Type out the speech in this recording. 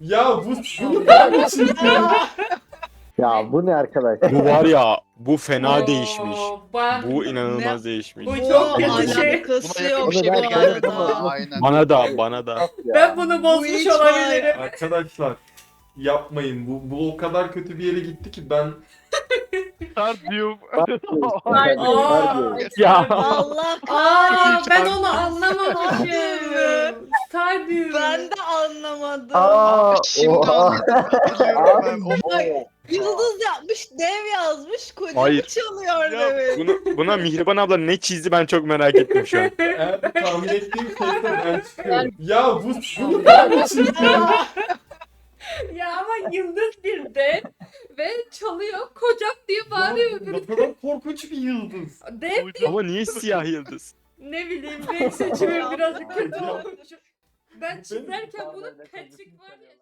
Ya bu ne biçim? Ya bu ne arkadaş? Bu var ya, bu fena değişmiş. Bak, Bu inanılmaz değişmiş. Bu çok kötü şey. Alakası Buna yakın yok bir şey Bunu denk ben gelmedi kendim bana. yapamam. Aynen. Bana da. Ben bunu bozmuş hiç var. olabilirim. Arkadaşlar yapmayın. Bu o kadar kötü bir yere gitti ki ben Stadyum. Aa, Ya. Allah Aa, kahretsin. ben onu anlamamışım. Stadyum. Ben de anlamadım. Aa, Şimdi oha. anlatıyorum ben. O- Yıldız yapmış, dev yazmış, kocamı Hayır. çalıyor Ya, demiş. Buna Mihriban abla ne çizdi ben çok merak ettim şu an. eğer tahmin ettiğim şeyse ben çıkıyorum. Ya bu ne biçim? Ya ama yıldız bir de ve çalıyor kocam diye bağırıyor. Ne kadar korkunç bir yıldız. Dev Ama niye siyah yıldız? ne bileyim renk seçimi birazcık kötü olmuş. Ben çizerken bunun Patrick var ya.